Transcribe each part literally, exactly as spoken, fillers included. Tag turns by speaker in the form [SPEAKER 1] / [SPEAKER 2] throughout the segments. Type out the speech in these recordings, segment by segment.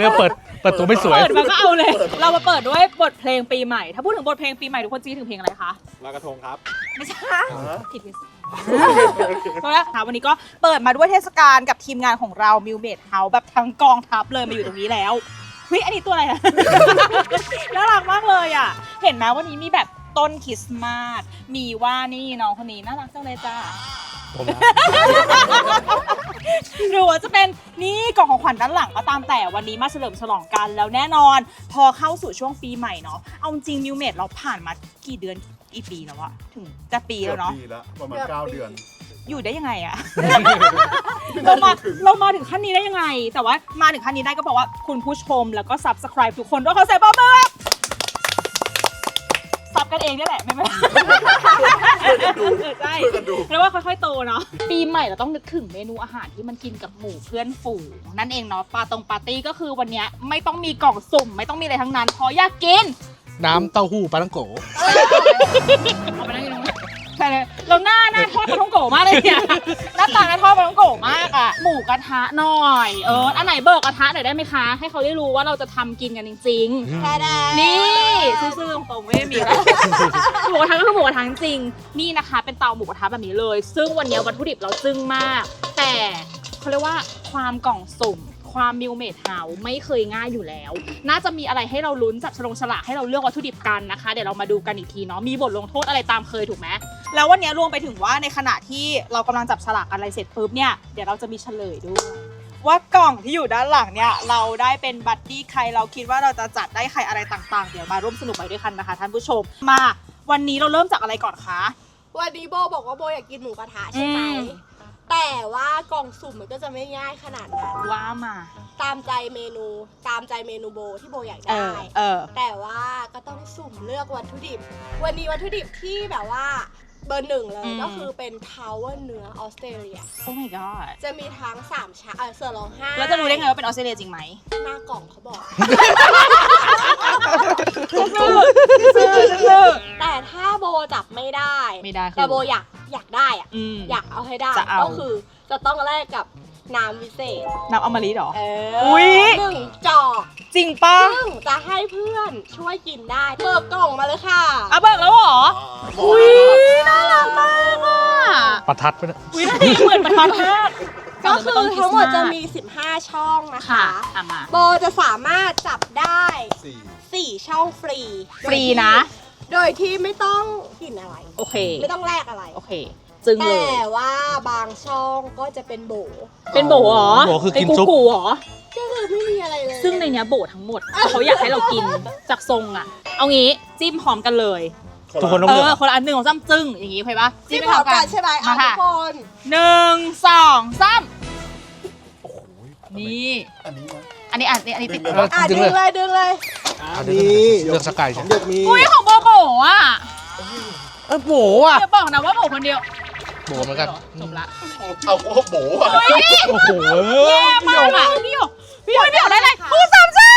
[SPEAKER 1] รียกเปิดเปิดตัวไม่สวย
[SPEAKER 2] เปิดมาก็เอาเลยเรามาเปิดด้วยบทเพลงปีใหม่ถ้าพูดถึงบทเพลงปีใหม่ทุกคนจีถึงเพลงอะไรคะ
[SPEAKER 3] ลอยกระทงครับ
[SPEAKER 2] ไม่ใช่ผิดผิดเพราะว่าวันนี้ก็เปิดมาด้วยเทศกาลกับทีมงานของเรามิวเมดเฮาส์แบบทั้งกองทัพเลยมาอยู่ตรงนี้แล้วเฮ้ยอันนี้ตัวอะไรอะน่ารักมากเลยอ่ะเห็นไหมวันนี้มีแบบต้นคริสต์มาสมีว่านี่น้องคนนี้น่ารักจังเลยจ้าหรือว่าจะเป็นนี่กล่องของขวัญด้านหลังก็ตามแต่วันนี้มาเฉลิมฉลองกันแล้วแน่นอนพอเข้าสู่ช่วงปีใหม่เนาะเอาจริงมิวเมดเราผ่านมากี่เดือนกี่ปีแล้วอะถึงจะปีแล้วเนาะ
[SPEAKER 3] ปีแล้วประมาณเก้าเดือน
[SPEAKER 2] อยู่ได้ยังไงอะ เรามาเรามาถึงขั้นนี้ได้ยังไงแต่ว่ามาถึงขั้นนี้ได้ก็บอกว่าคุณผู้ชมแล้วก็ Subscribe ทุกคนด้วยเขาใส่บอมเบอร์ซับกันเองนี่แหละไม่ไม่ใช่แล้วว่าค่อยๆโตเนาะปีใหม่เราต้องนึกถึงเมนูอาหารที่มันกินกับหมู่เพื่อนฝูงนั่นเองเนาะปาตรงปาร์ตี้ก็คือวันนี้ไม่ต้องมีกล่องสุ่มไม่ต้องมีอะไรทั้งนั้นเพราะอยากกิน
[SPEAKER 1] น้ำเต้าหู้ปลาท่องโก
[SPEAKER 2] เอาไปนั่งกินใช่เลยเราหน้าหน้าทอดปลาท่องโกมากเลยเนี่ยหน้าตาหน้าทอดปลาท่องโกมากอ่ะหมูกระทะหน่อยเอออันไหนเบิกกระทะหน่อยได้ไหมคะให้เขาได้รู้ว่าเราจะทำกินกันจริงๆแค่ได้นี่ซื่อๆตรงๆไม่ได้มีแล้วหมูกระทะก็คือหมูกระทะจริงนี่นะคะเป็นเตาหมูกระทะแบบนี้เลยซึ่งวันนี้วัตถุดิบเราจึ้งมากแต่เขาเรียกว่าความกล่องสุ่มความมิวเมดเฮาส์ไม่เคยง่ายอยู่แล้วน่าจะมีอะไรให้เราลุ้นจับฉลองฉลากให้เราเลือกวัตถุดิบกันนะคะเดี๋ยวเรามาดูกันอีกทีเนาะมีบทลงโทษอะไรตามเคยถูกไหมแล้ววันนี้รวมไปถึงว่าในขณะที่เรากำลังจับฉลากอะไรเสร็จปุ๊บเนี่ยเดี๋ยวเราจะมีเฉลยด้วยว่ากล่องที่อยู่ด้านหลังเนี่ยเราได้เป็นบัดดี้ใครเราคิดว่าเราจะจัดได้ใครอะไรต่างๆเดี๋ยวมาร่วมสนุกไปด้วยกันนะคะท่านผู้ชมมาวันนี้เราเริ่มจากอะไรก่อนคะ
[SPEAKER 4] วันนี้โบบอกว่าโบอยากกินหมูกระทะใช่ไหมแต่ว่ากล่องสุ่มมันก็จะไม่ง่ายขนาดนั้น
[SPEAKER 2] ว่ามา
[SPEAKER 4] ตามใจเมนูตามใจเมนูโบที่โบอยากได้แต่ว่าก็ต้องสุ่มเลือกวัตถุดิบวันนี้วัตถุดิบที่แบบว่าเบอร์หนึ่งเลยก็คือเป็นทาวเวอร์เนื้อออสเตรเลีย
[SPEAKER 2] โอ้ my god
[SPEAKER 4] จะมีทั้งสามชั้นเออเสือร้องไห้
[SPEAKER 2] แล้วจะรู้ได้ไงว่าเป็นออสเตรเลียจริงไหม
[SPEAKER 4] หน้ากล่องเขาบอกแต่ถ้าโบจับไม่ได้
[SPEAKER 2] ไม่ได้
[SPEAKER 4] แต่โบอยากอยากได้อ่ะอยากเอาให้ได้ก็คือจะต้องแลกกับน้ำวิเศษ
[SPEAKER 2] น้ำอมฤตหรอ
[SPEAKER 4] เออหนึ่งจอก
[SPEAKER 2] จริงป่ะ
[SPEAKER 4] ซึ่งจะให้เพื่อนช่วยกินได้เบิกกล่องมาเลยค่ะ
[SPEAKER 2] อ่ะเบิกแล้วเหรออุ้ยน่ารักมากอ่ะ
[SPEAKER 1] ประทัดไปนะ
[SPEAKER 2] อุ้ยน่าดีเหมือนประทัดมาก
[SPEAKER 4] ก็คือทั้งหมดจะมีสิบห้าช่องนะคะโบจะสามารถจับได้สี่ช่องฟรี
[SPEAKER 2] ฟรีนะ
[SPEAKER 4] โดยที่ไม่ต้องกินอะไร
[SPEAKER 2] โอเค
[SPEAKER 4] ไม่ต้องแลกอะไร
[SPEAKER 2] โอเคจึงเลย
[SPEAKER 4] แต่ว่าบางช่องก็จะเป็นโบ
[SPEAKER 2] เป็นโบเหรอ
[SPEAKER 1] โบคือกินซุป
[SPEAKER 2] เหรอ
[SPEAKER 4] ก็คือไม่มีอะไรเลย
[SPEAKER 2] ซึ่งในเนี้ยโบทั้งหมดเขาอยากให้เรากินจากทรงอ่ะเอางี้จิ้มพร้อมกันเลย
[SPEAKER 1] ทุกคนต้องเลือก
[SPEAKER 2] เออคนละอันหนึ่งของซ้ำจึ้งอย่างงี้โอเคปะ
[SPEAKER 4] จิ้มพร้อมกันใช่ไหมอ่ะทุกคน
[SPEAKER 2] หนึ่งสองสามนี่
[SPEAKER 3] อันนี้นะ
[SPEAKER 2] อันนี้อันนี้อันนี้ติด
[SPEAKER 4] อ่ะดึงเลยดึงเลย
[SPEAKER 3] อันนี้
[SPEAKER 1] เลือกสกายใช่ไหม
[SPEAKER 2] อุ้ยของโบโบอ่ะ
[SPEAKER 1] เออโบอ่ะ
[SPEAKER 2] อย่าบอกนะว่าโบคนเดียว
[SPEAKER 1] โบเหมือนกัน
[SPEAKER 2] จบละ
[SPEAKER 3] เอาโอ้โบอ่ะ
[SPEAKER 1] โอ้โห
[SPEAKER 2] แย่มากอ่ะพี่หยกพี่หยกพี่หยกได้เลยคูณสามสิบ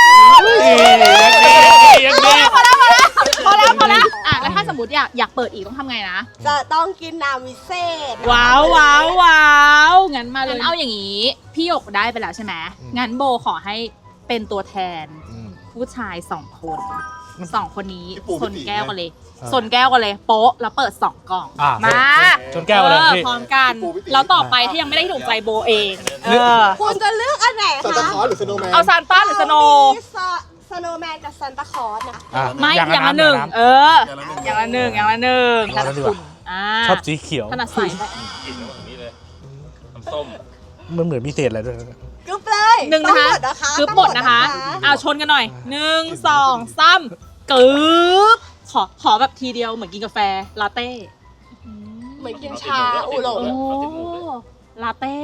[SPEAKER 1] ยังดี
[SPEAKER 2] พอแล้วพอแล้วพอแล้วพอแล้วอ่ะแล้วถ้าสมมติอยากอยากเปิดอีกต้องทำไงนะ
[SPEAKER 4] จะต้องกินน้ำวิเศษ
[SPEAKER 2] ว้าวว้าวว้าวงั้นมาเลยเอาอย่างนี้พี่หยกได้ไปแล้วใช่ไหมงั้นโบขอให้เป็นตัวแทนผู้ชายสองคนสองคนนี้สนแก้วกันเลยสนแก้วกันเลยโป๊ะแล้วเปิดสองกล่องมา
[SPEAKER 1] ชนแก้วเลย
[SPEAKER 2] พร้อมกันแล้วต่อไปที่ยังไม่ได้ถูกใจโบเอง
[SPEAKER 4] คุณจะเลือกอันไหนคะ
[SPEAKER 3] ซานตาคลอสหรือสโนว์แมน
[SPEAKER 2] เอาซานต้าหรือสโน
[SPEAKER 4] สโนว์แมนกับซานตาคลอสนะ
[SPEAKER 2] ไม่อย่างละหนึ่งเอออย่างละหนึ่งอย่างละหนึ่งถนัดคุณ
[SPEAKER 1] ชอบสีเขียว
[SPEAKER 2] ถนัดใส่
[SPEAKER 3] กินแล้วแบบนี้เลยน้ำส้ม
[SPEAKER 1] มันเหมือนมีเศษอะไรด้วย
[SPEAKER 4] กึ๊บเลย
[SPEAKER 2] หนึ่งนะคะกึ๊บหมดนะคะเอาชนกันหน่อยหนึ่งสองสามกึ๊บขอขอแบบทีเดียวเหมือนกินกาแฟลาเต้
[SPEAKER 4] เหมือนกินชาอูหลง
[SPEAKER 2] โอ้ลาเต้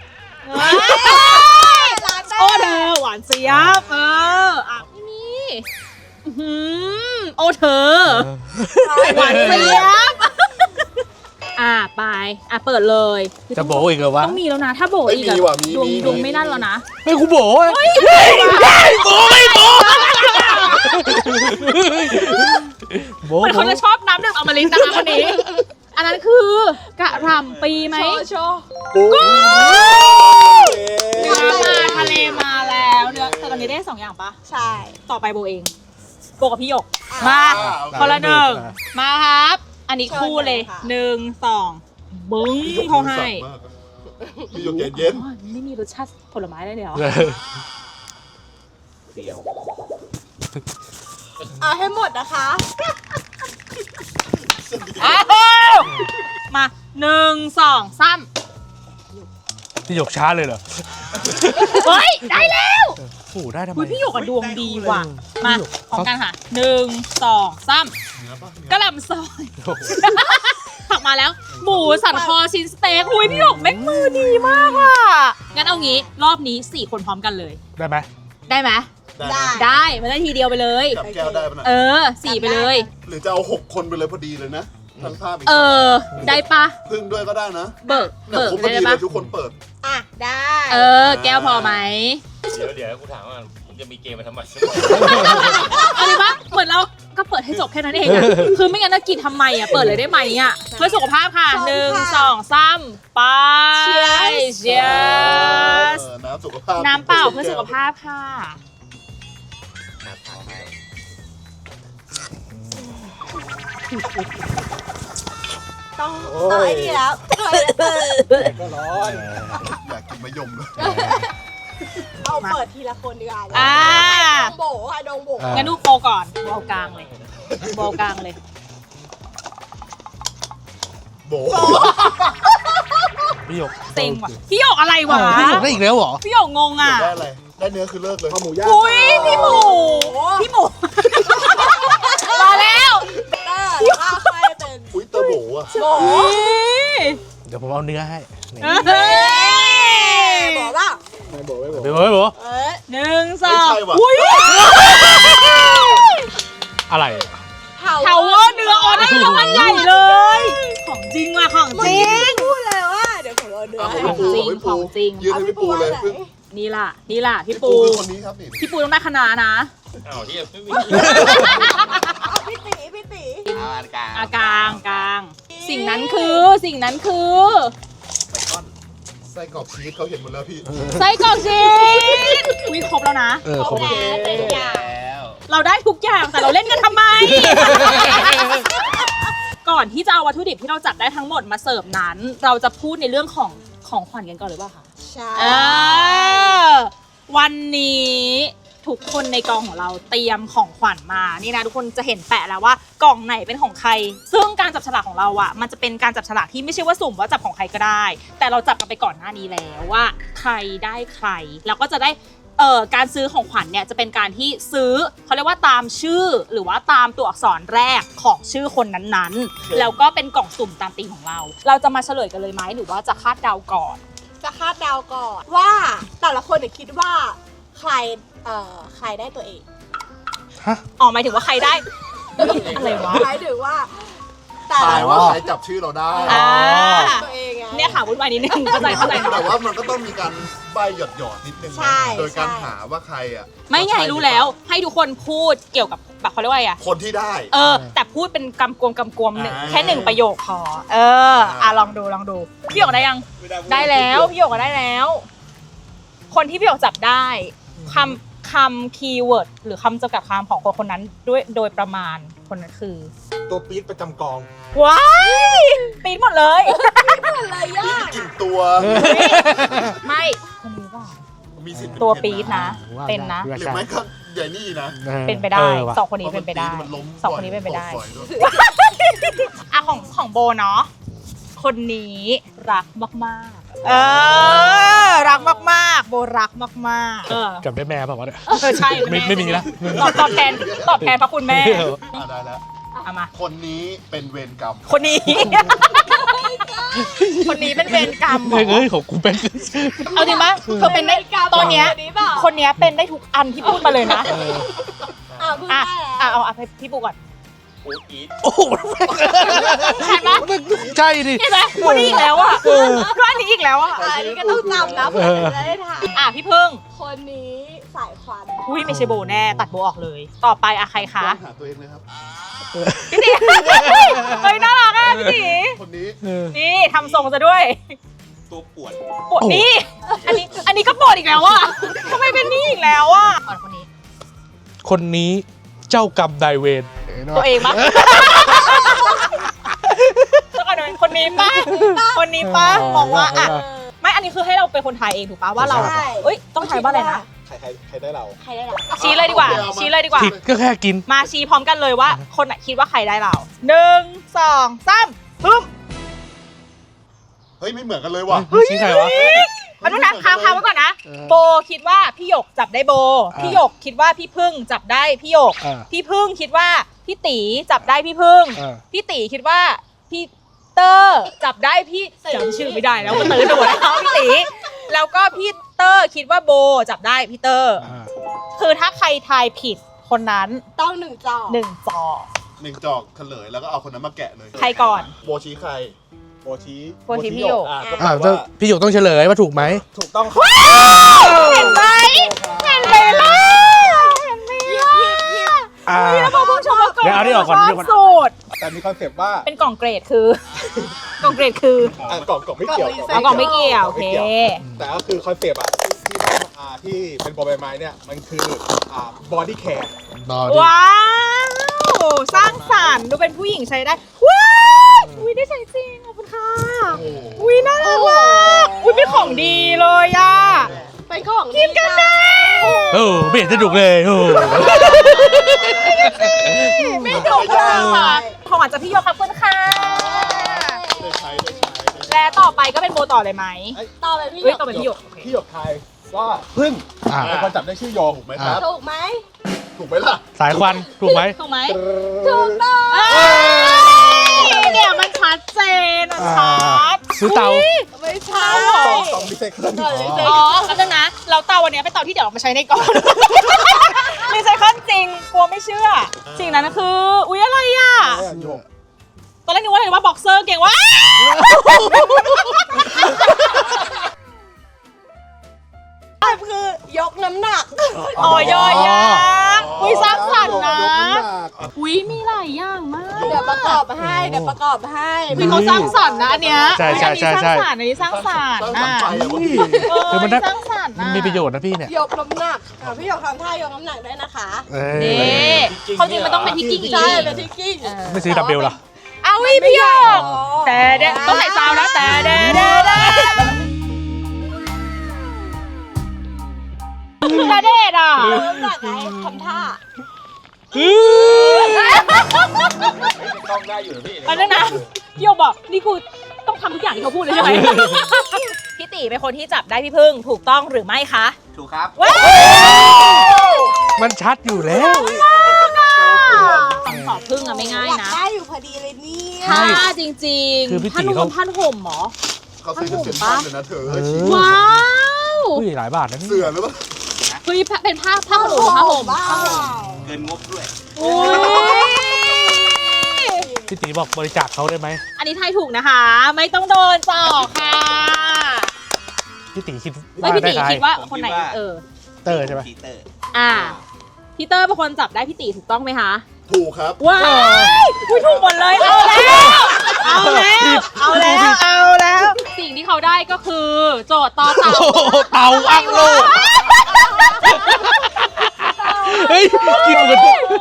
[SPEAKER 2] โอ้เธอหวานเจี๊ยบเอออ่ะนี่โอ้เธอหวานเจี๊ยบอ่ะไปอ่ะเปิดเลย
[SPEAKER 1] จะโบอีกเหรอวะ
[SPEAKER 2] ต้องมีแล้วนะถ้าโบอีกดวงดวงไม่นั่นแล้วนะ
[SPEAKER 1] ไม่กูโบไม่โบไม่โบ
[SPEAKER 2] เหมือนเขาจะชอบน้ำดื่มอมฤตนะคะคนนี้อันนั้นคือกะหล่ำปีไหม
[SPEAKER 4] โชว์
[SPEAKER 2] กูเนื้อมาทะเลมาแล้วเนื้อตอนนี้นี้ได้สองอย่างปะ
[SPEAKER 4] ใช่
[SPEAKER 2] ต่อไปโบเอง โบกับพี่หยก
[SPEAKER 4] อ่ะ
[SPEAKER 2] มา
[SPEAKER 3] อ่าโอเค
[SPEAKER 2] คนละหนึ่งมาครับ อันนี้คู่เลย
[SPEAKER 4] เชิญเลยค่ะ
[SPEAKER 2] หนึ่งสองบึ้ง
[SPEAKER 3] พี่หยก
[SPEAKER 2] เขาให้
[SPEAKER 3] สั่งมากอะพี่หยกเย็น
[SPEAKER 2] อ๋อไม่มีรสชาติผลไม้ได้เลยเหรอ
[SPEAKER 3] เดียว
[SPEAKER 4] เอาให้หมดนะคะ
[SPEAKER 2] อ้าวมาหนึ่งสองสาม
[SPEAKER 1] พี่หยกช้าเลยเหรอ
[SPEAKER 2] เฮ้ย ได้แล้ว
[SPEAKER 1] โอ้โหได้ทำไม
[SPEAKER 2] อุ๊ยพี่หยกอะดวงดีว่ะ มา
[SPEAKER 1] พี่หยก
[SPEAKER 2] พร้อมกันค่ะหนึ่งสองสาม
[SPEAKER 3] เนื้อปะเนื้
[SPEAKER 2] กระหล่ำซอย ผักมาแล้ว หมูสันคอชิ้นสเต็กอุ้ยพี่หยกแม่งมือดีมากอ่ะ งั้นเอางี้รอบนี้สี่คนพร้อมกันเลย
[SPEAKER 1] ได้ไหม
[SPEAKER 2] ได้ไหม
[SPEAKER 3] ได้
[SPEAKER 4] ได้
[SPEAKER 2] ได้มันได้ทีเดียวไปเลย
[SPEAKER 3] จับแก้วได้ปะน่ะ
[SPEAKER 2] เออสี่ไปเลย
[SPEAKER 3] หรือจะเอาหกคนไปเลยพอดีเลยนะทั้งภาพอีก
[SPEAKER 2] เออ ได้ปะ
[SPEAKER 3] พึ่งด้วยก็ได้นะ
[SPEAKER 2] เบิก
[SPEAKER 3] เนี่ย
[SPEAKER 2] เบิก
[SPEAKER 3] ผมพอ
[SPEAKER 2] ได้
[SPEAKER 3] ดีเล
[SPEAKER 2] ปะ
[SPEAKER 3] ยทุกคนเปิด
[SPEAKER 4] อ่ะ ได้
[SPEAKER 2] เออ แก้วพอไหม
[SPEAKER 5] เดี๋ยวเดี๋ยวกูถามว่ามึงจะมีเกมมาทำไม
[SPEAKER 2] เอาเลยปะเหมือนเราก็เปิดให้จบแค่นั้นเองอะคือไม่งั้นจะกินทำไมอะเปิดเลยได้ไหมอะเพื่อสุขภาพค่ะหนึ่งสองสามไปเชียร์เชียร์
[SPEAKER 3] เออน้ำสุขภาพ
[SPEAKER 2] น้ำเปล่าเพื่อสุขภาพค่ะ
[SPEAKER 4] ต้องต้องไอ้นี่แล้ว
[SPEAKER 3] ก็ร้อนอยากกินมะยมเลย
[SPEAKER 4] เอาเปิดทีละคนดีกว่า
[SPEAKER 2] อ่า
[SPEAKER 4] ดงโบค่ะดงโบ
[SPEAKER 1] อ่า
[SPEAKER 2] งั้นดูโปก่อนโบกลางเลยโบกลางเลย
[SPEAKER 3] โบ
[SPEAKER 1] พี่หยก
[SPEAKER 2] เต็งว่ะพี่หยกอะไรวะ
[SPEAKER 1] อ้าวพี่หยกได้อีกแล้วเหรอ
[SPEAKER 2] พี่หยกงงอ่ะ
[SPEAKER 3] ได้อะไรได้เนื้อคือเลิกเลยข้าวหมูย่าง
[SPEAKER 2] อุ้ยพี่หมูพี่หมูมาแล้ว
[SPEAKER 4] เตอร์แล้วก็ค่อยเป็น
[SPEAKER 3] อุ้ยเตอร์โบอ่ะ
[SPEAKER 4] โบ
[SPEAKER 2] อุ๊ย
[SPEAKER 1] เดี๋ยวผมเอาเนื้อให้นี่
[SPEAKER 2] เฮ้ย
[SPEAKER 4] บอกว่า
[SPEAKER 3] ไม่โบไม่โบ
[SPEAKER 1] เดี๋ยวเฮ้ยโบ
[SPEAKER 4] เอ้ย
[SPEAKER 2] หนึ่งสอง
[SPEAKER 3] ไม่ใช่ว่ะ
[SPEAKER 2] อุ้ย
[SPEAKER 1] อะไร
[SPEAKER 2] เทาเวอร์เนื้อออนได้รางวัลใหญ่เลย ของจริงว่ะของจริง
[SPEAKER 4] พูดเลยว่าเดี๋ยวผมเอาเนื้อ
[SPEAKER 3] เอา
[SPEAKER 4] ให้
[SPEAKER 3] ให้พี่ปู
[SPEAKER 2] ของจริง
[SPEAKER 3] ยืนให้พี่ปูเลย
[SPEAKER 4] อา
[SPEAKER 3] พึ่ง
[SPEAKER 2] นี่ล่ะ นี่ล่ะ พี่
[SPEAKER 3] พี่
[SPEAKER 2] ปู
[SPEAKER 3] ปูคือคนนี้ครับนี่
[SPEAKER 2] พี่ปูต้องได้คณะนะ
[SPEAKER 5] อ้าวที่ไม่มี
[SPEAKER 4] เอาพี่ตีพี่ตี
[SPEAKER 5] เอาอันกลาง
[SPEAKER 2] อากลางกลาง สิ่งนั้นคือสิ่งนั้นคือ
[SPEAKER 3] ไบคอนไส้กรอกชีสเขาเห็นหมดแล้วพี่
[SPEAKER 2] ไส้กรอกชีสอุ้ยครบแล้วนะ
[SPEAKER 1] เออครบแล้ว
[SPEAKER 4] แล้วเป็นอย่าง
[SPEAKER 5] แล้ว
[SPEAKER 2] เราได้ทุกอย่างแต่เราเล่นกันทำไม ก่อนที่จะเอาวัตถุดิบที่เราจัดได้ทั้งหมดมาเสิร์ฟนั้น เราจะพูดในเรื่องของของขวัญกันก่อนหรือเปล่าคะ
[SPEAKER 4] ใช่
[SPEAKER 2] เออวันนี้ทุกคนในกองของเราเตรียมของขวัญมานี่นะทุกคนจะเห็นแปะแล้วว่ากล่องไหนเป็นของใคร ซึ่งการจับฉลากของเราอะมันจะเป็นการจับฉลากที่ไม่ใช่ว่าสุ่มว่าจับของใครก็ได้ แต่เราจับกันไปก่อนหน้านี้แล้วว่าใครได้ใครแล้วก็จะได้เอ่อการซื้อของขวัญเนี่ยจะเป็นการที่ซื้อเขาเรียกว่าตามชื่อหรือว่าตามตัวอักษรแรกของชื่อคนนั้นๆ แล้วก็เป็นกล่องสุ่มตามธีมของเรา เราจะมาเฉลยกันเลยไหมหรือว่าจะคาดเดาก่อน
[SPEAKER 4] จะคาดเดาก่อนว่าแต่ละคนเนี่ยคิดว่าใครเอ่อใครได้ตัวเอง
[SPEAKER 1] ฮะ
[SPEAKER 2] อ๋อหมายถึงว่าใครได้ อะไรวะ
[SPEAKER 4] หมายถึงว่าแต่
[SPEAKER 3] ถ่า
[SPEAKER 4] ละ
[SPEAKER 3] ยว่าใครจับชื่อเราได้
[SPEAKER 2] อ่า
[SPEAKER 4] ตัวเองไง
[SPEAKER 2] เนี่ยค่ะวุ่นวายนิดนึงเข้าใจเข้าใจ
[SPEAKER 3] แต่
[SPEAKER 2] เนาะ
[SPEAKER 3] ว่ามันก็ต้องมีการใบหยอดหยอดๆนิดนึงนะ
[SPEAKER 4] ใช่
[SPEAKER 3] โดยการ
[SPEAKER 4] ใช่
[SPEAKER 3] หาว่าใครอ่ะ
[SPEAKER 2] ไม่ไงรู้แล้ว ให้ทุกคนพูดเกี่ยวกับแบบเขาเรียกว่าอะไรอะ
[SPEAKER 3] คนที่ได้
[SPEAKER 2] เออ แต่พูดเป็นกำกวมกำกวมหนึ่ง
[SPEAKER 3] อ่า
[SPEAKER 2] แค่หนึ่งประโยคพอเอออ่ะลองดูลองดูพี่หยกได้ยังได้แล้วพี่หยกก็ได้แล้ว คนที่พี่หยกจับได้คำคำคีย์เวิร์ดหรือคำจำกัดความของคนคนนั้นด้วยโดยประมาณคนนั้นคือ
[SPEAKER 3] ตัวปี๊ดประจำกอง
[SPEAKER 2] ว้ายปีนหมดเลย
[SPEAKER 4] อะไรยาก
[SPEAKER 3] กินตัว
[SPEAKER 2] ไม่คนนี้ว่า
[SPEAKER 3] มีสิทธิ์
[SPEAKER 2] ตัวปีดนะ
[SPEAKER 1] ว่า
[SPEAKER 2] เป็นนะ
[SPEAKER 1] ได้
[SPEAKER 3] หรือไม่ก็ใหญ่นี่นะ
[SPEAKER 2] เป็นไปได้
[SPEAKER 1] ออว่ะ
[SPEAKER 2] สองคนนี้เป็นไปได้
[SPEAKER 3] พราะมันปี๊มันล้ม
[SPEAKER 2] สองคนนี้เป็นไปได้
[SPEAKER 3] บ่อยๆด้วย
[SPEAKER 2] อ่ะของของโบเนาะคนนี้รักมากๆ เออ รักมากๆ โบรักมากๆ เออ
[SPEAKER 1] จำได้แม่ป่าววะเนี่ย
[SPEAKER 2] เออใช่
[SPEAKER 1] ไม่ไม่มีละ
[SPEAKER 2] ตอบตอบแทนตอบแทนพระคุณแม่
[SPEAKER 3] อ่ะได้แล้ว
[SPEAKER 2] เอามา
[SPEAKER 3] คนนี้เป็นเวรกรรม
[SPEAKER 2] คนนี้ คนนี้เป็นเวรกรรมเหร
[SPEAKER 1] เฮ้ย
[SPEAKER 2] อ
[SPEAKER 1] เอ้ยของกูเป็น
[SPEAKER 2] เอาจริงปะเธอเป็นได้ตอนเนี้ย
[SPEAKER 4] คนนี้เปล่า
[SPEAKER 2] คนเนี้ยเป็นได้ทุกอันที่พูดมาเลยนะ
[SPEAKER 4] อ่ะเพิ่ง
[SPEAKER 2] อ่ะ
[SPEAKER 4] ได้
[SPEAKER 2] อ่ะ
[SPEAKER 4] แล้ว
[SPEAKER 2] เอาเอาให้พี่ปูก่อน
[SPEAKER 5] อูดอีท
[SPEAKER 1] โอ้โห
[SPEAKER 2] ใช่ปะ
[SPEAKER 1] ใช่ดิ
[SPEAKER 2] ใช่ไหมคนนี้อีกแล้วอ่ะก็อันนี้อีกแล้วอ่ะ
[SPEAKER 4] อ่ะอันนี้ก็ต้องจำนะเพื่อจะได้ถ่าย
[SPEAKER 2] อ่ะพี่พึ่ง
[SPEAKER 4] คนนี้สายควัน
[SPEAKER 2] อุ้ยไม่ใช่โบแน่ ตัดโบออกเลย ต่อไปอะใครคะ
[SPEAKER 3] หาตัวเองเลยครับ
[SPEAKER 2] พี่ตีเฮ้ยน่ารักอ่ะพี่ตี
[SPEAKER 3] คนนี้
[SPEAKER 1] เออ
[SPEAKER 2] นี่ทำทรงซะด้วย
[SPEAKER 5] ตัวปวด
[SPEAKER 2] ปวดนี่อันนี้อันนี้ก็ปวดอีกแล้วอ่ะทำไมเป็นนี่อีกแล้วอ่ะก่อนคนนี้
[SPEAKER 1] คนนี้เจ้ากรรมนายเวร
[SPEAKER 2] ตัวเองปะแล้วก็เดี๋ยวคนนี้ปะคนนี้ปะมองว่าอ่ะไม่อันนี้คือให้เราเป็นคนทายเองถูกปะว่าเราเอ้ยต้องทายว่าอะไรนะ
[SPEAKER 3] ใครใครใครได้เรา
[SPEAKER 4] ใครได้เรา
[SPEAKER 2] ชี้เลยดีกว่าชี้เลยดีกว่า
[SPEAKER 1] ผิดก็แค่กิน
[SPEAKER 2] มาชี้พร้อมกันเลยว่า คนไหนคิดว่าใครได้เราหนึ่งสองสามพึ่ม
[SPEAKER 3] เฮ้ยไม่เหมือนกันเลยว่ะ
[SPEAKER 1] ชี้ใครวะ
[SPEAKER 2] มาดูนะค้างค้างไว้ก่อนนะ โบคิดว่าพี่หยกจับได้โบ พี่หยกคิดว่าพี่พึ่งจับได้พี่หยก
[SPEAKER 1] อ่า
[SPEAKER 2] พี่พึ่งคิดว่าพี่ตีจับได้พี่พึ่ง
[SPEAKER 1] อ่า
[SPEAKER 2] พี่ตีคิดว่าพี่เตอร์จับได้พี่จำชื่อไม่ได้แล้วก็เตอร์โดดแล้วพี่ตีแล้วก็พี่เตอร์คิดว่าโบจับได้พี่เตอร์
[SPEAKER 1] อ่า
[SPEAKER 2] คือถ้าใครทายผิดคนนั้น
[SPEAKER 4] ต้องหนึ่งจอ
[SPEAKER 2] หนึ่งจอ
[SPEAKER 3] หนึ่งจอกเฉลยแล้วก็เอาคนนั้นมาแกะเลย
[SPEAKER 2] ใครก่อน
[SPEAKER 3] โบชี้ใครโบชี้
[SPEAKER 2] โบชี้พี่โยก
[SPEAKER 3] อ่ะก็แปล
[SPEAKER 1] อ่า
[SPEAKER 3] ว่า
[SPEAKER 1] พี่หยกต้องเฉลยว่าถูกไหม
[SPEAKER 3] ถูกต้อง
[SPEAKER 2] เห็นไหมเห็นไหมล่ะเห็นไหมล่ะ
[SPEAKER 1] อ่า
[SPEAKER 2] แล้วพอผู้ชม
[SPEAKER 1] เดี๋ยวเอานี่ออกก่อนเดี๋ยวก่อน
[SPEAKER 2] สูตร
[SPEAKER 3] แต่มีคอนเซปต์ว่า
[SPEAKER 2] เป็นกล่องเกรดคือกล่องเกรดคือ
[SPEAKER 3] อ่ะกล่องกล่องไม่เกี่ยว
[SPEAKER 2] เอากล่องไม่เกี่ยวโอเค
[SPEAKER 3] แต่ก็คือคอนเซปต์อ่ะที่ที่อ่าที่เป็นบอลใบไม้เนี่ยมันคืออ่าบอดี้แคร์
[SPEAKER 1] นอนดิ
[SPEAKER 2] ว้าวสร้างสรรค์ดูเป็นผู้หญิงใช้ได้ว้าวอุ้ยได้ใช้จริงขอบคุณค่ะอุ้ยน่ารักว่ะอุ้ยเป็นของดีเลยอ่ะ
[SPEAKER 4] เป็นของ
[SPEAKER 2] กินกันได้
[SPEAKER 1] โอ้ไม่เห็นจะถูกเลยโอ้
[SPEAKER 2] ไม่ถูกเลยค่ะของหวานจากพี่โยขอบคุณค่ะ
[SPEAKER 3] ได้ใช้ได้ใช้ได้ใช้
[SPEAKER 2] และต่อไปก็เป็นโบต่อเลยไหม
[SPEAKER 4] ต่อไปพี่ห
[SPEAKER 2] เฮ้
[SPEAKER 4] ย
[SPEAKER 2] ย
[SPEAKER 4] ก
[SPEAKER 2] ต่อไปพี่โยกโอเค
[SPEAKER 3] พี่หยกทายว่าพึ่ง
[SPEAKER 1] อ่า
[SPEAKER 3] เป็นคนจับได้ชื่อโยถูกไหมครับ
[SPEAKER 4] ถูกไหม
[SPEAKER 3] ถูกไหมล่ะ
[SPEAKER 1] สายควันถูกไหม
[SPEAKER 2] ถูกไหม
[SPEAKER 4] ถูกต้อง
[SPEAKER 2] เอ้ยเนี่ยมันชัดเจนมันชัด
[SPEAKER 1] ซื้อเตา
[SPEAKER 4] ไม่ใช่
[SPEAKER 3] กล่องกล่องรีไซเคิล
[SPEAKER 4] ก่อนเลยสิ
[SPEAKER 2] อ๋อก็จะนะ เราเตาวันนี้เป็นเตาที่เดี๋ยวเอามาใช้ในก่อน รีไซเคิลจริง กลัวไม่เชื่อ สิ่งนั้นคือ อุ๊ย อะไรอ่ะ
[SPEAKER 3] โยก
[SPEAKER 2] ตอนแรกนึกว่าอะไรว่าบ็อกเซอร์เก่งว่าคือย
[SPEAKER 4] กน้ำหนัก
[SPEAKER 2] อ๋อยอยักษ์อุ๊ยสร้างสรรค์นะ
[SPEAKER 3] ยกำหก
[SPEAKER 2] อุ๊ย มีหลายอย่างมาก
[SPEAKER 4] เดี๋ยวประกอบให้ เดี๋ยวประกอบให้
[SPEAKER 2] คือเขาสร้างสรรค์นะอันเนี้ย
[SPEAKER 1] ใช่ใช่ใช่ใช่
[SPEAKER 2] อันนี้สร้างสรรค์
[SPEAKER 3] สร้า
[SPEAKER 2] อั
[SPEAKER 3] ง
[SPEAKER 2] น
[SPEAKER 3] สรร
[SPEAKER 2] นี้
[SPEAKER 3] ค์
[SPEAKER 2] สร้างสรรค์
[SPEAKER 3] ไปอะ
[SPEAKER 2] นะ
[SPEAKER 1] คือมัน
[SPEAKER 2] เอ
[SPEAKER 1] ได้
[SPEAKER 2] อสร้างสรรค์
[SPEAKER 1] มัน
[SPEAKER 2] นะ
[SPEAKER 1] มีประโยชน์นะพี่เนี่ย
[SPEAKER 4] ยกน้ำหนักอ่ะพี่หยกทำท่ายกน้ำหนักด้วยนะคะ
[SPEAKER 1] เอ้
[SPEAKER 2] นี่
[SPEAKER 1] ย
[SPEAKER 2] เขาจริงมันต้องเป็นที่กิ้งอีก
[SPEAKER 4] ใช่เป็นที่กิ้ง
[SPEAKER 1] ไม่ซื้อดับเบลเหรอ
[SPEAKER 2] เอาวิพี่หยกแต่เด้ต้องใส่ซาวนะแต่เด้เด้เด้แต่เด็ดอ่ะ
[SPEAKER 4] ยกน้ำหนักไงทำท่า
[SPEAKER 5] ต้องได้อยู่นะพี่
[SPEAKER 2] มันนั่นนะพี่หยกบอกนี่กูต้องทำทุกอย่างที่เขาพูดเลยใช่ไหมพี่ตีเป็นคนที่จับได้พี่พึ่งถูกต้องหรือไม่คะ
[SPEAKER 5] ถูกครับ
[SPEAKER 2] ว้าว
[SPEAKER 1] มันชัดอยู่แล้ว
[SPEAKER 2] คำตอบพึ่งอะไม่ง่าย
[SPEAKER 4] อยาก
[SPEAKER 2] นะ
[SPEAKER 4] ได้อยู่พอดีเลยเนี่ย
[SPEAKER 2] ถ้าจริง
[SPEAKER 1] คือพี่
[SPEAKER 2] ๆผ้า
[SPEAKER 1] ตี
[SPEAKER 2] นุ่
[SPEAKER 1] เขา
[SPEAKER 2] มผ้าห่มเหรอ
[SPEAKER 3] เขาซื้อกันเซ็นทรัลเลยนะเธอ
[SPEAKER 1] เออ
[SPEAKER 3] ชี้
[SPEAKER 2] ว้าว
[SPEAKER 1] อุ้ยหลายบาทนะนี่
[SPEAKER 3] เสือหรือเปล่า
[SPEAKER 2] เฮ้ยเป็นผ้าผ้าขนหนูผ้าห่ม
[SPEAKER 4] บ้า
[SPEAKER 5] เกินงบด้วย
[SPEAKER 2] อุ้ย
[SPEAKER 1] พี่ตีบอกบริจาคเขาได้ไหม
[SPEAKER 2] อันนี้ทายถูกนะคะ ไม่ต้องโดนจอกค่ะ
[SPEAKER 1] พี่ตีคิด
[SPEAKER 2] ไม่
[SPEAKER 1] ว่า
[SPEAKER 2] พี่
[SPEAKER 1] ได้
[SPEAKER 2] ตี
[SPEAKER 1] ใคร
[SPEAKER 2] คิดว่าคนไหน
[SPEAKER 5] ผมคิดว่า
[SPEAKER 2] เออ
[SPEAKER 1] เตอร์ใช่ไหม
[SPEAKER 5] ปีเตอร์
[SPEAKER 2] อ่าพี่เตอร์เป็นคนจับได้พี่ตีถูกต้องไหมคะ
[SPEAKER 3] ถูกครับ
[SPEAKER 2] ว้ายอุ้ยถูกหมดเลย เอาแล้ว เอาแล้ว เอาแล้ว เอาแล้ว สิ่งที่เขาได้ก็คือ โจทย์ต่อเต่า
[SPEAKER 1] โอ้โหเตาอังโลกเฮ้ยกินเหมือน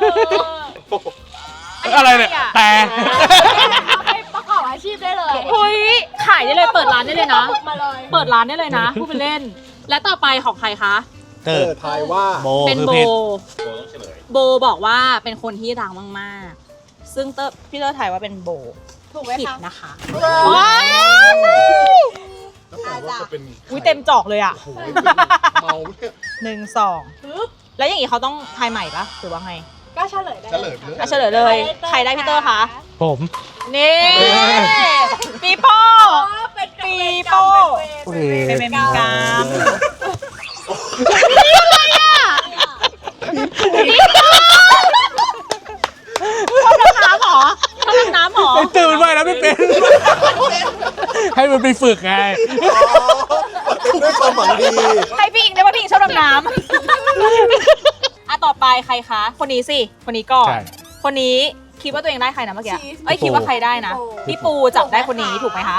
[SPEAKER 1] อะไรเนี่ยแต่
[SPEAKER 4] ไปประกอบอาชีพได้เลย
[SPEAKER 2] เฮ้ย ขายได้เลย เปิดร้านได้เลยนะ
[SPEAKER 4] มาเลย
[SPEAKER 2] เปิดร้านได้เลยนะพูดเป็นเล่น และต่อไปของใครคะ
[SPEAKER 1] เต
[SPEAKER 3] เอ
[SPEAKER 1] อร์
[SPEAKER 3] อทายว่า
[SPEAKER 1] โบ
[SPEAKER 2] เป็น
[SPEAKER 1] คือ
[SPEAKER 2] โบ
[SPEAKER 1] เพศ
[SPEAKER 5] โบต้องเฉลย
[SPEAKER 2] โบบอกว่าเป็นคนที่รักมากๆ ซึ่งเตอร์พี่เตอร์ถ่ายว่าเป็นโบ
[SPEAKER 4] ถูกไหม
[SPEAKER 2] ผิด
[SPEAKER 4] คะ
[SPEAKER 2] นะคะ
[SPEAKER 4] ว้า
[SPEAKER 2] ว้าว
[SPEAKER 3] แล้วแปลว่าจะเป็น
[SPEAKER 2] อุ้ยเต็มจอกเลยอ่ะ
[SPEAKER 3] โอ้โหเมาเนี่ย
[SPEAKER 2] หนึ่งสองแล้วอย่างงี้เขาต้องทายใหม่ปะหรือว่าไง
[SPEAKER 4] ก็เฉลยได้
[SPEAKER 3] เฉลยเลย
[SPEAKER 2] อ่ะเฉลยเลย ใครได้พี่เตอร์คะ
[SPEAKER 1] ผม
[SPEAKER 2] นี่ปีโป้
[SPEAKER 4] เป็น
[SPEAKER 2] ปีโป้
[SPEAKER 1] โอเค
[SPEAKER 2] เป็นเมมกามชอบดำน้ำเหรอชอบดำน้ำเหรอ
[SPEAKER 1] ไอ้เตอร์มันว่ายน้ำไม่เป็น ให้มันไปฝึกไง
[SPEAKER 3] เป็นด้วยความหวังดี
[SPEAKER 2] ให้พี่อิงได้ว่าพี่อิงชอบดำน้ำอ่ะต่อไปใครคะ คนนี้สิ คนนี้ก่อน
[SPEAKER 1] ใช่
[SPEAKER 2] คนนี้คิดว่าตัวเองได้ใครนะเมื่อกี้ เอ้ยคิดว่าใครได้นะ พี่ปูจับได้คนนี้ถูกไหมคะ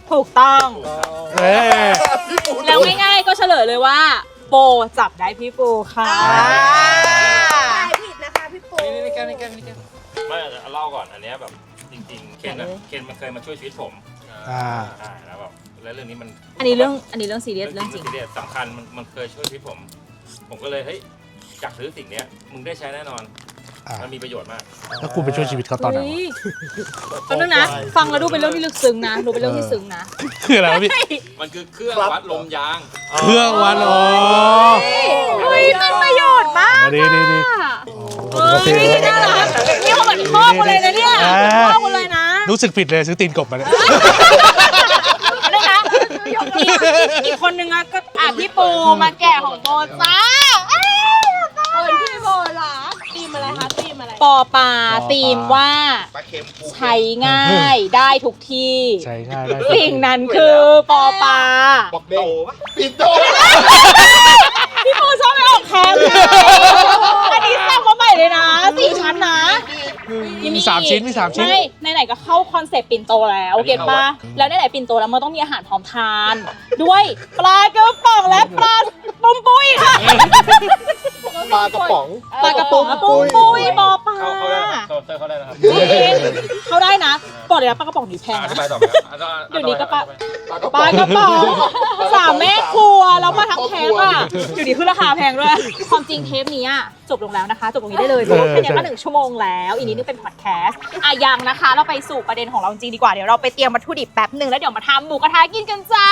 [SPEAKER 2] ถูกต้อง
[SPEAKER 1] เอ้ย
[SPEAKER 2] แล้วง่ายๆก็เฉลยเลยว่าโปจับได้พี่ปูค่ะ
[SPEAKER 4] ทายผิดนะคะพี่ปู
[SPEAKER 5] ไม่แก้ไม่แก้ไม่แก้ไม่เอาเล่าก่อนอันเนี้ยแบบจริงๆ เคนอะเคนมันเคยมาช่วยชีวิตผม
[SPEAKER 1] อ่า
[SPEAKER 5] อ่าแล้วแบบแล้วเรื่องนี้มัน
[SPEAKER 2] อันนี้เรื่องอันนี้เรื่องซีเรียสเรื่องจริง
[SPEAKER 5] ซีเรียสสำคัญมันมันเคยช่วยชีวิตผม ผมก็เลยเฮ้ยอยากซื้อสิ่งเนี้ยมึงได้ใช้แน่นอน
[SPEAKER 1] อ่า
[SPEAKER 5] มันมีประโยชน์มาก
[SPEAKER 1] แล้วคุณไปช่วยชีวิตเขาตอนไหนวะ
[SPEAKER 2] เฮ้ยแป๊บนึงนะ ฟังแล้วดูเป็นเรื่องที่ลึกซึ้งนะดูเป็นเรื่องที่ซึ้งนะ
[SPEAKER 1] คืออะไรวะพี่
[SPEAKER 5] มันคือเครื่องวัดลมยาง
[SPEAKER 1] เครื่องวันโอ้
[SPEAKER 2] เฮ้ยเป็นประโยชน์มาก
[SPEAKER 1] ดีดีดี
[SPEAKER 2] เฮ้ยน่ารักนี่เขาเหมือนพ่อกูเลยนะเนี่ยพ่อกูเลยนะ
[SPEAKER 1] รู้สึกผิดเลยซื้อตีนกบมาเนี่ย
[SPEAKER 2] อะไรนะอีกอีกคนนึงอะก็อ่ะพี่ปูมาแกะของโบจ้า
[SPEAKER 4] คนที่โบรักตีมอะไรคะตีมอะไร
[SPEAKER 2] ปอปลาธีมว่า
[SPEAKER 3] ปลาเค็มปู
[SPEAKER 2] ใช้ง่ายได้ทุกที่
[SPEAKER 1] ใช้ง่ายได้
[SPEAKER 2] สิ่งนั้นคือปอปลา
[SPEAKER 3] บอกเด้งปิดโต
[SPEAKER 2] พี่ปูชอบไปออกแคมป์ไงอันนี้สร้างมาใหม่เลยนะสี่ชั้นนะ
[SPEAKER 1] มีสามชิ้นมีสามชิ้น
[SPEAKER 2] ใช่ไหนๆก็เข้าคอนเซปต์ปิ่นโตแล้วเก็ตปะแล้วไหนๆปิ่นโตแล้วมันต้องมีอาหารพร้อมทาน ด้วยปลากระป๋องและปลาปุ้มปุ้ยค่ะ
[SPEAKER 3] ปลากระป๋อง
[SPEAKER 2] ปลากระป๋องปุ้มปุ้ยปอปลา
[SPEAKER 5] เข้าเข้าได้นะครับเข้าเข้าได้นะครับ
[SPEAKER 2] จริงเขาได้นะบอกเลยนะปลากระป๋องดีแพง
[SPEAKER 5] อธิ
[SPEAKER 2] นะ
[SPEAKER 5] บายต่อไปครับ
[SPEAKER 2] เดี๋ยวนี้ก็ปลา
[SPEAKER 3] ปลากระ
[SPEAKER 2] ป
[SPEAKER 3] ป๋อ
[SPEAKER 2] ลาง กระป๋องสามแม่ครัวแล้วมาทั้งแพ็คอ่ะอยู่ดีขึ้นราคาแพงด้วยความจริงเทปนี้อะจบลงแล้วนะคะ จบตรงนี้ได้เลยเพราะว่าแค่นี้ก็หนึ่งชั่วโมงแล้วอีกนิดนึงเป็นพอดแคสต์อ่ะยังนะคะ เราไปสู่ประเด็นของเราจริงดีกว่าเดี๋ยวเราไปเตรียมวัตถุดิบแป๊บหนึ่งแล้วเดี๋ยวมาทำหมูกระทะกินกันจ้า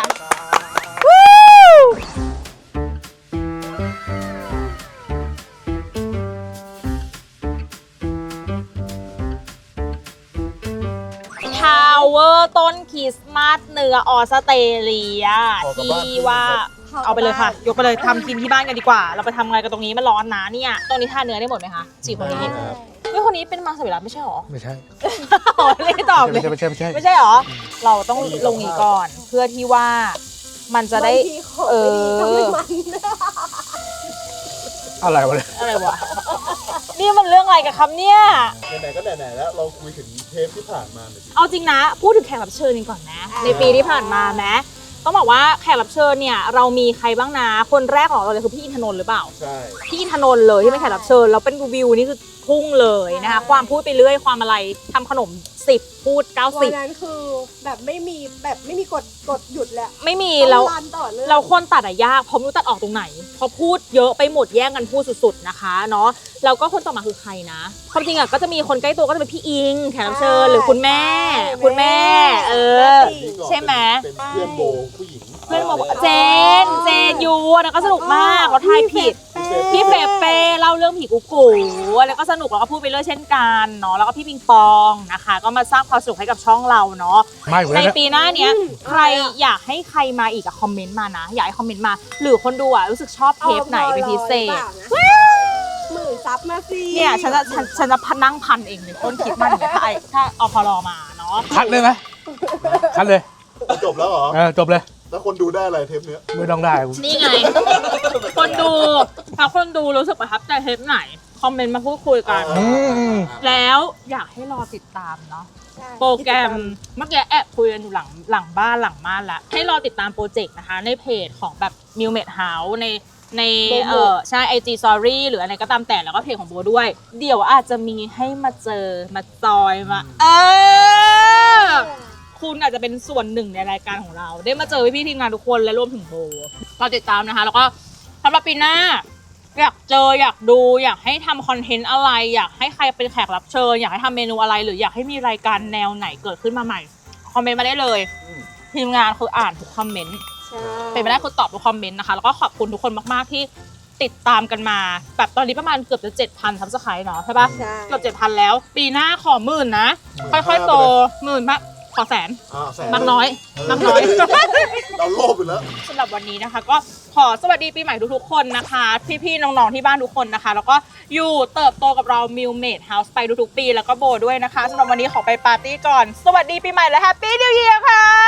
[SPEAKER 2] ทาวเวอร์ต้นคริสต์มาสเนื้อออสเตรเลียที่ว่าเอาไปเลยค่ะ ยกไปเลยทำกินที่บ้านกันดีกว่า เราไปทำอะไรกันตรงนี้มันร้อนนะเนี่ยตรงนี้ทานเนื้อได้หมดไหมคะสี่คนนี้เฮ้ยคนนี้เป็นมังสวิรัติไม่ใช่หรอ
[SPEAKER 1] ไม่ใช่
[SPEAKER 2] อ๋อไม่ได้ตอบเล
[SPEAKER 1] ไม่
[SPEAKER 2] ย
[SPEAKER 1] ใช่ไม่ใช่ไม่ใช่
[SPEAKER 2] ไม่ใช่หรอ เราต้องลงนี้ก่อน เพื่อที่ว่ามันจะได้
[SPEAKER 4] บางทีของ
[SPEAKER 2] เอ
[SPEAKER 4] ไม่ดี
[SPEAKER 2] อ
[SPEAKER 4] ก็ไม่มัน
[SPEAKER 1] อะไรวะเนี่ย
[SPEAKER 2] อะไรวะนี่มันเรื่องอะไรกันครับเนี่ย
[SPEAKER 3] ไหนๆก็ไหนๆแล้วเราคุยถึงเทปที่ผ่านมาหน่อยสิ
[SPEAKER 2] เอาจริงนะ พูดถึงแขกรับเชิญกันก่อนนะ ในปีที่ผ่านมาแม้ต้องบอกว่าแขกรับเชิญเนี่ยเรามีใครบ้างนะ คนแรกของเราเลยคือพี่อินทนนท์หรือเปล่า
[SPEAKER 3] ใช่
[SPEAKER 2] พี่อินทนนท์เลยที่เป็นแขกรับเชิญแล้วเป็นวิวนี่คือพุ่งเลยนะคะ ความพูดไปเรื่อยความอะไรทำขนมสิบพูดเก้า
[SPEAKER 4] วั
[SPEAKER 2] สิ
[SPEAKER 4] น
[SPEAKER 2] บ
[SPEAKER 4] นั้นคือแบบไม่มีแบบไม่มีกดกดหยุดเลยอะ
[SPEAKER 2] ไม่มี
[SPEAKER 4] ต้อง
[SPEAKER 2] แล้ว
[SPEAKER 4] รันต่อเนื่อง
[SPEAKER 2] เราคนตัดอะยากเพราะไม่รู้ตัดออกตรงไหนเพราะพูดเยอะไปหมดแย่งกันพูดสุดๆนะคะเนาะแล้วก็คนต่อมาคือใครนะความจริงอะก็จะมีคนใกล้ตัวก็จะเป็นพี่อิงแขกรับเชิญหรือคุณแม่ คุณแม่ เออ ใช่ไหม
[SPEAKER 3] เป็นเพื่อนโบผู้หญิง
[SPEAKER 2] เพื่อนบอกว่าเจนเจนยูนะก็สนุกมากเราทายผิดพี่เฟเป้เล่าเรื่องผีกุ๊กกูแล้วก็สนุกแล้วก็พูดไปเรื่อยเช่นกันเนาะแล้วก็พี่ปิงปองนะคะ ก็มาสร้างความสนุกให้กับช่องเราเนาะ
[SPEAKER 1] ไม่เหมือน
[SPEAKER 2] ใน
[SPEAKER 1] กัน
[SPEAKER 2] ปีหน้าเนี้ยใครอยากให้ใครมาอีกอะคอมเมนต์มานะ อยากให้คอมเมนต์มา หรือคนดูอะรู้สึกชอบเทปไหนเป็นพิเศษ
[SPEAKER 4] หมื่นซับมาสิ
[SPEAKER 2] เนี่ยฉันจะฉันฉันจะพันนั่งพันเองเลยต้นคิดมันเนี่ยถ้าไอถ้าอพรมาเนาะ
[SPEAKER 1] คัดเลยไหมคัดเลย
[SPEAKER 3] จบแล้วเหรอ
[SPEAKER 1] เออจบเลย
[SPEAKER 3] แล้วคนดูได้อะไรเทปเนี้ย
[SPEAKER 1] ไม่ต้องได้
[SPEAKER 2] นี่ไง คนดูถ้าคนดูรู้สึกประทับใจเทปไหน คอมเมนต์มาพูดคุยกัน
[SPEAKER 1] อืม
[SPEAKER 2] แล้วอยากให้รอติดตามเนาะ โปรแกรมเมื่อกี้แอบคุยกันอยู่หลังหลังบ้านหลังม่านแล้วให้รอติดตามโปรเจกต์นะคะ ในเพจของแบบ Miu Med House ในในเออใช่ ไอ จี Story หรืออะไรก็ตามแต่แล้วก็เพจของโบด้วย เดี๋ยวอาจจะมีให้มาเจอมาจอยมาเออคุณอาจจะเป็นส่วนหนึ่งในรายการของเรา ได้มาเจอพี่ๆทีมงานทุกคนและรวมถึงโบรอติดตามนะคะ แล้วก็สำหรับปีหน้า อยากเจออยากดูอยากให้ทำคอนเทนต์อะไร อยากให้ใครเป็นแขกรับเชิญอยากให้ทำเมนูอะไร หรืออยากให้มีรายการแนวไหนเกิดขึ้นมาใหม่คอมเมนต์มาได้เลยทีมงานคืออ่านทุกคอมเมนต์เป็นไปได้คือตอบทุกคอมเมนต์นะคะแล้วก็ขอบคุณทุกคนมากๆที่ติดตามกันมาแบบตอนนี้ประมาณเกือบจะเจ็ดพันซับสไครต์เนาะใช่ปะ
[SPEAKER 4] ใช่
[SPEAKER 2] เกือบเจ็ดพันแล้ว ปีหน้าขอหมื่นนะค่อยๆโตหมื่นมากขอแสน
[SPEAKER 3] อ่าแสน
[SPEAKER 2] มากน้อยมากน้อย
[SPEAKER 3] เราโลภอยู่แล้ว
[SPEAKER 2] สำหรับวันนี้นะคะก็ขอสวัสดีปีใหม่ทุกๆคนนะคะ พี่ๆน้องๆที่บ้านทุกคนนะคะ แล้วก็อยู่เติบโตกับเรา Miu Med House ไปทุกๆปีแล้วก็โบด้วยนะคะสำหรับวันนี้ขอไปปาร์ตี้ก่อน สวัสดีปีใหม่และแฮปปี้นิวเยียร์ค่ะ